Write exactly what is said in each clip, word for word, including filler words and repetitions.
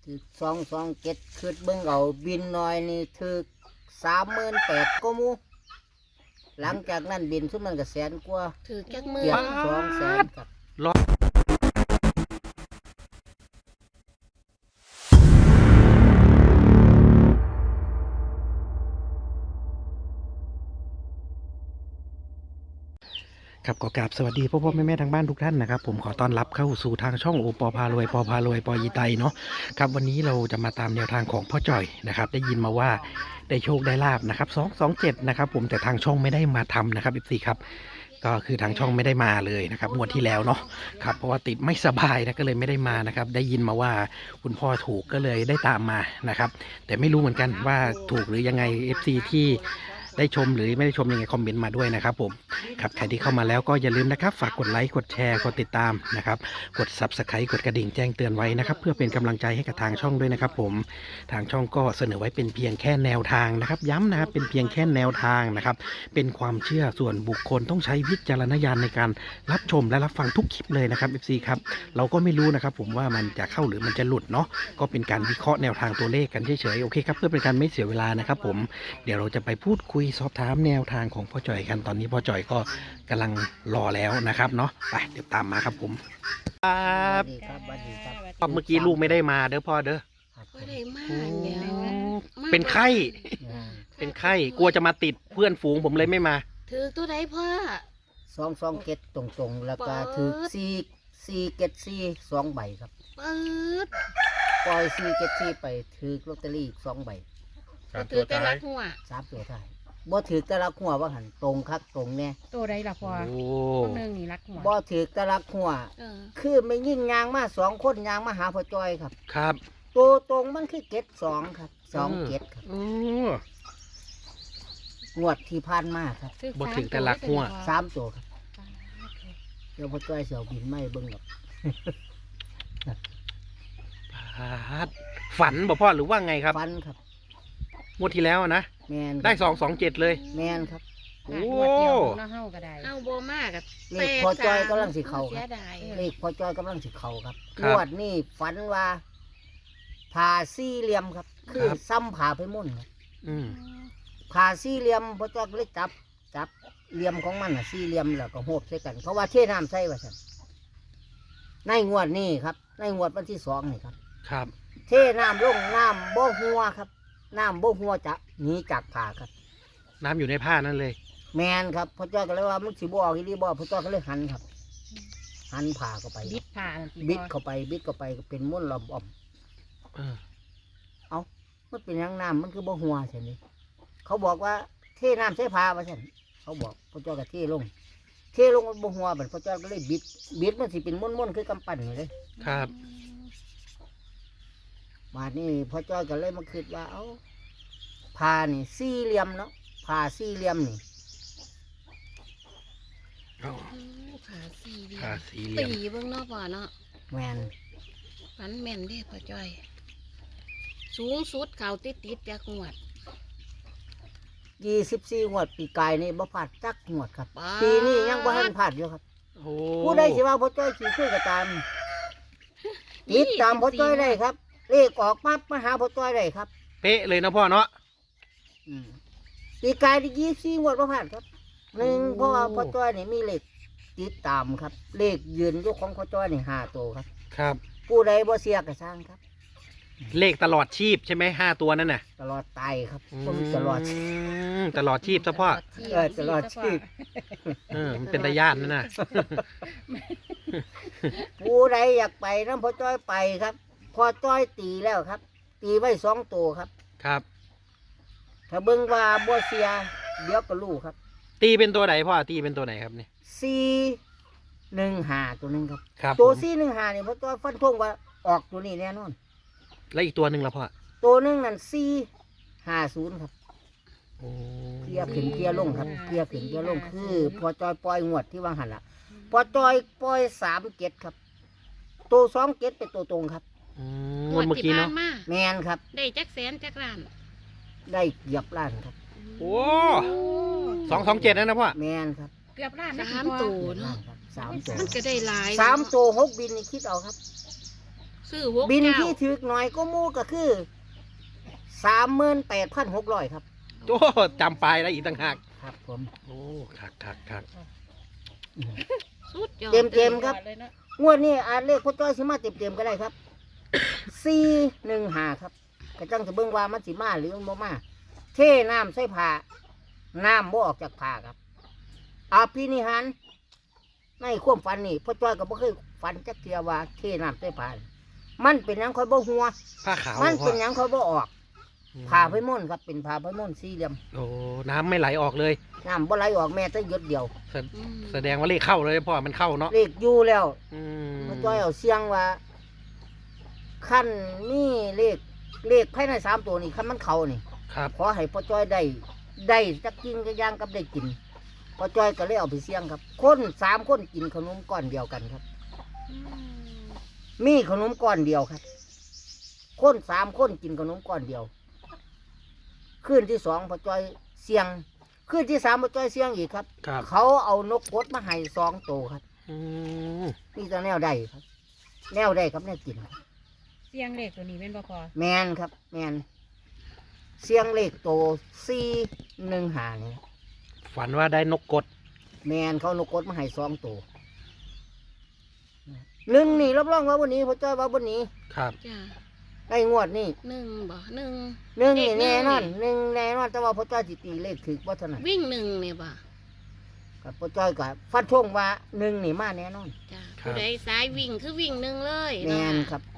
ถือสองสองเจ็ดคืดเบิ่งเอาบินน้อยนี่ถือสามหมื่นแปดก็มูหลังจากนั้นบินซุ่มมันก็แสนกว่าถือจักมือเกือบสองแสนครับครับก็กราบสวัสดีพ่อพ่อแม่แม่ทางบ้านทุกท่านนะครับผมขอต้อนรับเข้าสู่ทางช่องโอปอพารวยปอพารวยปอยีไตเนาะครับวันนี้เราจะมาตามแนวทางของพ่อจ่อยนะครับได้ยินมาว่าได้โชคได้ลาบนะครับสองสองเจ็ดนะครับผมแต่ทางช่องไม่ได้มาทำนะครับอีกสี่ครับก็คือทางช่องไม่ได้มาเลยนะครับงวดที่แล้วเนาะครับเพราะว่าติดไม่สบายนะก็เลยไม่ได้มานะครับได้ยินมาว่าคุณพ่อถูกก็เลยได้ตามมานะครับแต่ไม่รู้เหมือนกันว่าถูกหรือยังไง เอฟ ซี ที่ได้ชมหรือไม่ได้ชมยังไงคอมเมนต์มาด้วยนะครับผมครับใครที่เข้ามาแล้วก็อย่าลืมนะครับฝากกดไลค์กดแชร์กดติดตามนะครับกด ซับสไครบ์ กดกระดิ่งแจ้งเตือนไว้นะครับเพื่อเป็นกำลังใจให้กับทางช่องด้วยนะครับผมทางช่องก็เสนอไว้เป็นเพียงแค่แนวทางนะครับย้ำนะครับเป็นเพียงแค่แนวทางนะครับเป็นความเชื่อส่วนบุคคลต้องใช้วิจารณญาณในการรับชมและรับฟังทุกคลิปเลยนะครับ เอฟ ซี ครับเราก็ไม่รู้นะครับผมว่ามันจะเข้าหรือมันจะหลุดเนาะก็เป็นการวิเคราะห์แนวทางตัวเลขกันเฉยๆโอเคครับเพื่อเป็นการไม่เสียเวลานะครับผมเดี๋ยวเราจะไปพูดคุยสอบถามแนวทางของพ่อจ่อยกันตอนนี้พ่อจ่อยก็กำลังรอแล้วนะครับเนาะไปเดี๋ยวตามมาครับผมครัสวับสดีครับสวัสดีครับเมื่อกี้ลูกไม่ได้มาเด้อพ่อเด้อครับก็ได้มากเดี๋ยวมาเป็นไข้อ่าเป็นไข้กลัวจะมาติดเพื่อนฝูงผมเลยไม่มาถือตัวใดพ่อสองสองเจ็ดตรงๆ แล้วก็เปิดถือสี่สี่เจ็ดสี่สองใบครับเปิดปล่อยสี่เจ็ดสี่ไปถือลอตเตอรี่อีกสองใบก็ถือแต่ละหัวสามตัวท้ายบ่ถือแต่ละหัวว่าหันตรงคักตรงแน่ตัวใดล่ะพ่อโอ้คนหนึ่งนี่รักหัวบ่ถือแต่ละหัวเออคือไม่ยิ่งยางมาสองคนยางมาหาพ่อจอยครับครับตัวตรงมันคือเจ็ดสองครับสองเจ็ดครับโอ้งวดที่ผ่านมาครับบ่ถึงแต่รักหัวสามตัวครับเดี๋ยวพ่อจอยเสียวบินไม่เบิ่งหรอกพาดฝันบ่พ่อหรือว่าไงครับฟันครับงวดที่แล้วอะนะแมนครับได้สองสองเจ็ดเลยแมนครับโอ้โอ้เดียวน้าเฮาก็ได้เอาโบมากกับเลขพ่อจอยกำลังสิเข้าคเสีรัยบดายเลขพ่อจอยกำลังสิเข้าครับครังบวดนี้ฝันว่าผ่าสี่เหลี่ยมครับ คือครับซ้ำผ่าไปมุ่นครับอืมผ่าสี่เหลี่ยมพ่อจอยก็เลยจับจับเหลี่ยมของมันอ่ะสี่เหลี่ยมแล้วก็โหบใส่กันเพราะว่าเทน้ำใส่ว่าซั่นในงวดนี้ครับ ในงวดวันที่สองนี่ครับครับเทน้ำลงน้ำบ่หัวครับ น้ำบ่หัวจะหนีจากผ่าครับน้ำอยู่ในผ้านั่นเลยแมนครับพ่อจ้อยก็เลยว่ามันสิบ่ออกอีหลีบ่พ่อจ้อยก็เลยหันครับ หันผ่าเข้าไปบิดผ่านั่นสิบิดพ่อเข้าไปบิดเข้าไปก็เป็นม้วนลอมอ่อมเออมันเป็นหยังน้ำมันคือบ่หัวใช่ไหมเขาบอกว่าเทน้ำใส่ผ่าว่าซั่นเขาบอกพ่อจ้อยก็เทลง เทลงมันบ่หัวบัดพ่อจ้อยก็เลยบิด บิดมันสิเป็นม้วนๆคือกำปั้นนี่เลยครับบาดนี้พ่อจ้อยก็เลยมาคิดว่าเอ้าผ่านี่สี่เหลี่ยมเนาะผ่าสี่เหลี่ยมนี่เอาอืมขาสี่เดียผ้าว สีเหลี่ตียมเบิ่งเนาะพ่อเนาะแมนฝันแม่นเด้พ่อจ้อย สูงสุดเก่าติดติดๆจากงวดยี่สิบสี่งวดปีกายนี่บ่พลาดจักงวดครับป๊าดปีนี้ยังบ่ทันพลาดอยู่ครับโอ้ผู้ใดสิว่าพ่อจ้อยขี่คุยกับตามติดตามพ่อจ้อยได้ครับ เลขออกปั๊บมาหาพ่อจ้อยได้ครับเป๊ะเลยนะพ่อเนาะอืมปีกายที่ยี่สี่งวดบ่พลาดครับหนึ่งโอ้เพราะว่าพ่อจ้อยนี่มีเลขติดตามครับ เลขยืนอยกของพ่อจ้อยนี่ห้าตัวครับครับ ผู้ผู้ใดบ่เสียก็สร้างครับเลขตลอดชีพใช่ไหมห้าตัวนั่นน่ะตลอดตายครับผมตลอดมตลอดชีพซะพ่อเออตลอดชีพเออมันเป็นตาญาตินั่นน่ะผู้ใดอยากไปนํพ่อจ้อยไปครับพ่อจ้อยตีแล้วครับ ตีไว้สองตัวครับครับถ้าเบิ่งว่าบ่เสียเดี๋ยวก็รู้ครับตีเป็นตัวไหนพ่อตีเป็นตัวไหนครับเนี่ยสี่หนึ่งห้าตัวหนึงครับครับตัวผมสี่หนึ่งห้านี่พ่อจ้อยฟันธงว่าออกตัวนี้แน่นอนแล้วอีกตัวหนึ่งละพ่อตัวหนึงนั่นสี่ห้าศูนย์ครับโอ้เคลียร์ขึ้นเคลียร์ลงครับเคลียร์ขึ้นเคลียร์ลงคือพอจอยปล่อยงวดที่วางหันละพอจอยปล่อยสามเจ็ดครับ ตัวสองเจ็ดเป็นตัวตรงครับอืมงวดเมื่อกี้เนาะที่ผ่มาแมนครับได้จักแสนจักล้านได้เหยียบล้านครับโอ้สองสองเจ็ดนั่นนะพ่อแมนครับเกือบล้านนะสามพ่อตัวเหยียบล้าเนาะนครับสามตัวมันก็ได้หลายสามตัวหกบินนี่คิดเอาครับสซื้อหกบินเก้าที่ถือหน่อยก็หมู่ก็คือสามหมื่นแปดพันหกร้อยครับโอ้จำปลายได้อีกต่างหากครับผมโอ้คักคักคักสุดยอดเต็มเต็มๆครับเลยเนาะงวดนี้อาจเลขพ่อจ้อยสิมาเต็มเต็มๆก็ได้ครับ สี่หนึ่งหาครับกระจังจะเบิ่งว่ามันสิมาหรือมันบ่มาเทน้ำใส่ผ้าน้ำบ่ออกจากผ้าครับอาภินิหารในความฝันนี่พ่อจ้อยก็บ่เคยฝันจักเทียว่าเทน้ำใส่ผ้ามันเป็นหยังค่อยบ่หัวผ้าขาวมันพ่อเป็นหยังค่อยบ่ออกอืมผ้าไพม่นครับเป็นผ้าไพม่นสี่เหลี่ยมโอ้น้ำไม่ไหลออกเลยน้ำบ่ไหลออกแม้แต่หยดเดียวแสอืมแสดงว่าเลขเข้าเลยพ่อมันเข้าเนาะเลขอยู่แล้วอืมพ่อจ้อยเอาเสียงว่าขั้นนี่เลขเลขภายในสามตัวนี่ขั้นมันเข้านี่ครับขอให้พ่อจ้อยได้ได้จักกินก็ย่างกับได้กินพ่อจ้อยก็เลยเอาไปเสี่ยงครับ คนสามคนกินขนมก้อนเดียวกันครับอืมมีขนมก้อนเดียวครับ คนสามคนกินขนมก้อนเดียวคืนที่สองพ่อจ้อยเสี่ยงคืนที่สามพ่อจ้อยเสี่ยงอีกครับครับเขาเอานกกดมาให้สองตัวครับอืมนี่จะแนวได้ครับ แนวได้ครับแนวกินครับเสียงเลขตัวนี้เป็นบ่พอแมนครับ แมนเสียงเลขโตสี่หนึ่งหานี่ครับฝันว่าได้นกกดแมนเขานกกดมาให้สองตัวหนึ่งนี่รับรองว่าวันนี้พ่อจ้อยว่าวันนี้ครับจ้าได้งวดนี่หนึ่งบ่หนึ่งหนึ่งนี่เลขหนึ่แน่งนอนนี่หนึ่งแน่นอนแต่ว่าพ่อจ้อยสิตีเลขถึกว่าเท่านั้นวิ่งหนึ่งเนี่ยบ่กับพ่อจ้อยกับฟันธงว่าหนึ่งนี่มาแน่นอนจ้าผู้ใดสายวิ่งคือวิ่งหนึ่งเลยแมเนาะนครับ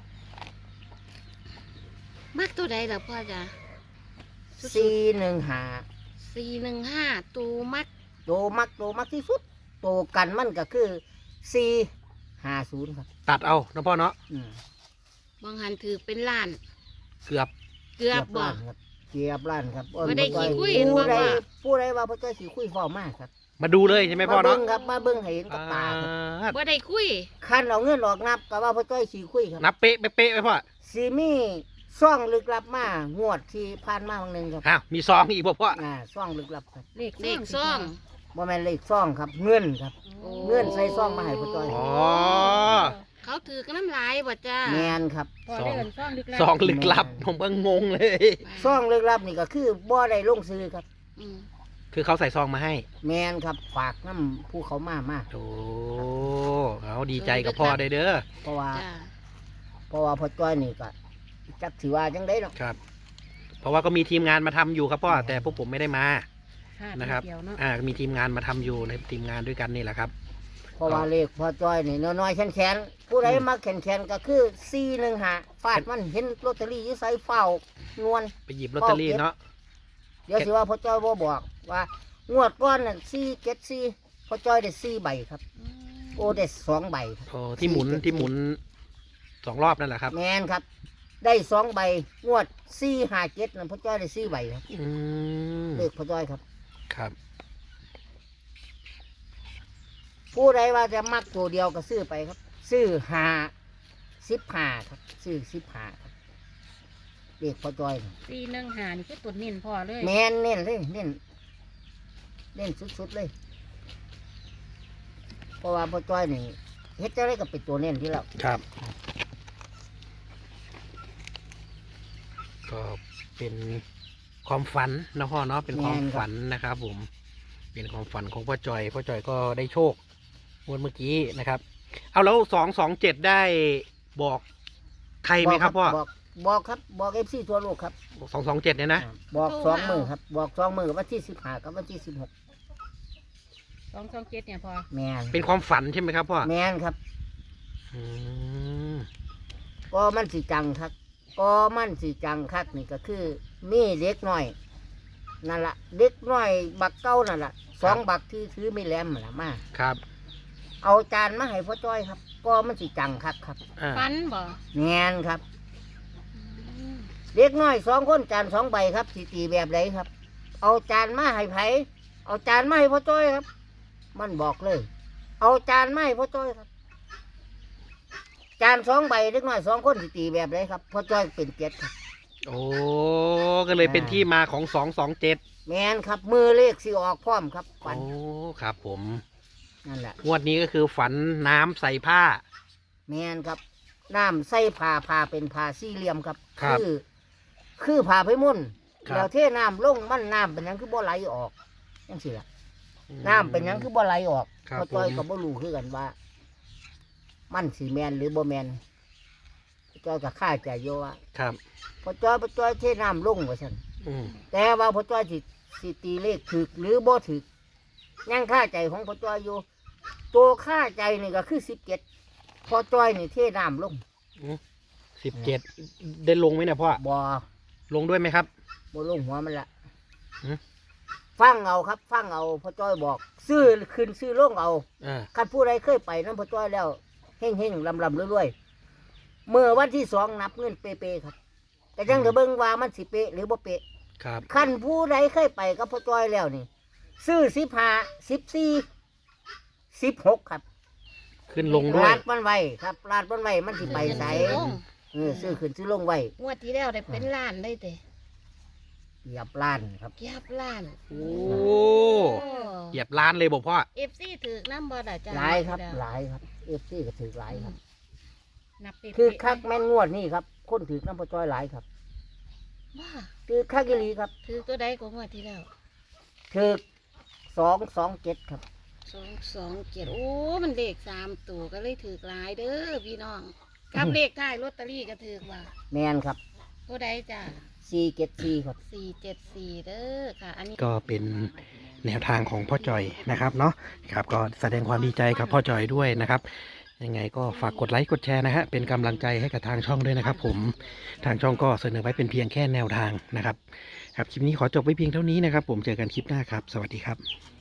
มักตัวใดล่ะพ่อจ้าสี่หนึ่งหาสี่หนึ่งห้าตูมักโตมักโตมักที่สุดโตกันมันก็คือสี่ห้าศูนย์ครับตัดเอานะพ่อเนาะอืมบางหันถือเป็นล้านเกือบเกือบบ่ล้านครับเกียบล้านครับบ่ได้ขี้คุยผู้ใดบ่ว่าผู้ใดว่าพ่อจ้อยขี้คุยเฝ้ามากครับมาดูเลยใช่ไหมพ่อมาเบิ้เนาะงครับมาเบิ้งให้เห็นกับตาครับอ่าบ่ได้คุยคันเอาเงินออกนับก็ว่าพ่อจ้อยขี้คุยครับนับเป๊ะเป๊ะเป๊ะไหมพ่อสีมีซ่องลึกลับมางวดที่ผ่านมาวันหนึ่งครับอ้าวมีซองอีกบ่พ่ออ่าซ่องลึกลับครับเลขเลขซ่องบ่แม่นเลขซ่องครับ เงินครับโอ้เงื่อนใส่ซ่องมาให้พ่อจ้อยอ๋อเขาถือกันน้ำลายบ่จ้าแมนครับพอได้เงินซ่องลึกลับซองลึกลับผมก็งงเลยซ่องลึกลับนี่ก็คือบ่ได้ลงซื้อครับอืมคือเขาใส่ซองมาให้แมนครับฝากน้ำผู้เขามามาโอ้เอาดีใจกับพ่อได้เด้อเพราะว่าจ้าเพราะว่าพ่อจ้อยนี่ก็จักถือว่าจังได้เนาะครับ เพราะว่าก็มีทีมงานมาทำอยู่ครับพ่อแต่พวกผมไม่ได้มาพลาดนะครับเดียวเนาะอ่ามีทีมงานมาทำอยู่ในทีมงานด้วยกันนี่แหละครับเพราะว่าเลขพ่อจ้อยนี่น้อยๆแข็งๆผู้ใดมาแข็งๆก็คือสี่หนึ่งหาฟาดมันเห็นลอตเตอรี่อยี่ไซเฝ้านวลไปหยิบลอตเตอรี่เนาะเดี๋ยวสิว่าพ่อจ้อยบ่บอกว่า งวดก้อนนั่นสี่เจ็ดสี่พ่อจ้อยได้สี่ใบครับอืมโอ้ได้สองใบครับโอ้ที่หมุนที่หมุนสองรอบนั่นแหละครับแมนครับ ได้สองใบงวดสี่ห้าเจ็ดนั่นพ่อจ้อยได้สี่ใบครับอืมเลขพ่อจ้อยครับครับผู้ใดว่าจะมักตัวเดียวก็ซื้อไปครับ ซื้อห้าสิบห้าครับ ซื้อสิบห้าครับเลขพ่อจ้อยนี่สี่หนึ่งหานี่คือตุดเน้นพอเลยแมนเน้นเลยเน้นเน้นสุดๆเลย เพราะว่าพ่อจ้อยนี่เฮ็ดจะได้กับเป็นตัวเน้นที่แล้วครับ ก็เป็นความฝันนะพ่อเนาะเป็นความฝันนะครับ ผม เป็นความฝันของพ่อจอยพ่อจอยก็ได้โชคงวดเมื่อกี้นะครับ เอาแล้วสองสองเจ็ดได้บอกใครไหมครับพ่อบอกบอกครับบอกเอฟซีทั่วโลกครับสองสองเจ็ดเนี่ยนะบอกสองมือครับ บอกสองมือวันที่สิบห้ากับวันที่สิบหกสองสองเจ็ดเนี่ยพอแมนเป็นความฝันใช่ไหมครับพ่อแมนครับอืมก็มันสีจังครับ ก็มันสีจังคักนี่ก็คือ มีเด็กน้อยนั่นละเด็กน้อยบักเก้านั่นละสองบักที่ถือไม่แหลมนั่นละมาครับเอาจานมาให้พ่อจ้อยครับ ก็มันสีจังคักครับอ่าฟันบ่แมนครับอืมเด็กน้อยสองคนจานสองใบครับสีตีแบบไหนครับ เอาจานมาให้ไผเอาจานมาให้พ่อจ้อยครับ มันบอกเลย เอาจานมาให้พ่อจ้อยครับ จานสองใบเด็กน้อยสองคนสีตีแบบไหนครับพ่อจ้อยเป็นเจ็ดครับโอ้ก็เลยเป็นที่มาของสองสองเจ็ดแมนครับมือเลขสิออกพร้อมครับโอ้ฝันครับผมนั่นแหละงวดนี้ก็คือฝันน้ำใส่ผ้าแมนครับน้ำใส่ผ้าผ้าเป็นผ้าสี่เหลี่ยมครับครับอคือผ้าไผ่มุ่นครับแล้วเทน้ำลงมันน้ำเป็นหยังคือบ่ไหลออกจังซี่ล่ะน้ำเป็นหยังคือบ่ไหลออกครับเพราะจ้อยผมก็บ่รู้คือกันว่า มันสิแม่นหรือบ่แม่นพ่อจ้อยก็คาใจอยู่ว่าครับพ่อจ้อยพ่อจ้อยเทน้ำลงว่าซั่นอืมแต่ว่าพ่อจ้อยสิสิตีเลขถูกหรือบ่ถูกยังค่าใจของพ่อจ้อยอยู่ ตัวค่าใจนี่ก็คือสิบเจ็ดพ่อจ้อยนี่เทน้ำลงสิบเจ็ดได้ลงไหมเนี่ยพ่อบ่ลงด้วยไหมครับบ่ลงหัวมันละหือฟังเอาครับ ฟังเอาพ่อจ้อยบอก ซื้อขึ้นซื้อลงเอาอ่าคันผู้ใดเคยไปน้ำพ่อจ้อยแล้วเฮ่งเฮ่งลำลำรวยๆเมื่อวันที่สองนับเงินเป๊ะๆครับ แต่ยังจะเบิ่งว่ามันสิเป๊ะหรือบ่เป๊ะครับคันผู้ใดเคยไปกับพ่อจ้อยแล้วนี่ ซื้อสิบห้าสิบสี่สิบหกครับขึ้นลงด้วยลาดมันไว้ครับลาดมันไว้มันสิไปใสซื้อลงเออซื้อขึ้นซื้อลงไว้งวดที่แล้วได้เป็นล้านได้เตะเหยียบล้านครับเกียบล้านโอ้เหยียบล้านเลยบอกพ่อเอฟซีถือน้ำบอดาจ้าหลายครับหลายครับเอฟซีก็ถือหลายครับนับเป๊ะๆคือคักแม่นงวดนี่ครับ คนถือน้ำพ่อจ้อยหลายครับว่าคือคักอีหลีครับถือตัวใดกว่างวดที่แล้วถือสองสองเจ็ดครับสองสองเจ็ดโอ้มันเลขสามตัวก็เลยถือหลายเด้อพี่น้องกับเลขท้ายลอตเตอรี่ก็ถือว่าแมนครับตัวใดจ้าสี่เจ็ดสี่ครับสี่เจ็ดสี่เด้อค่ะ อันนี้ก็เป็นแนวทางของพ่อจอยนะครับเนาะครับก็แสดงความดีใจกับพ่อจอยด้วยนะครับยังไงก็ฝากกดไลค์กดแชร์นะฮะเป็นกำลังใจให้กับทางช่องด้วยนะครับ ผมทางช่องก็เสนอไว้เป็นเพียงแค่แนวทางนะครับครับคลิปนี้ขอจบไว้เพียงเท่านี้นะครับ ผมเจอกันคลิปหน้าครับ สวัสดีครับ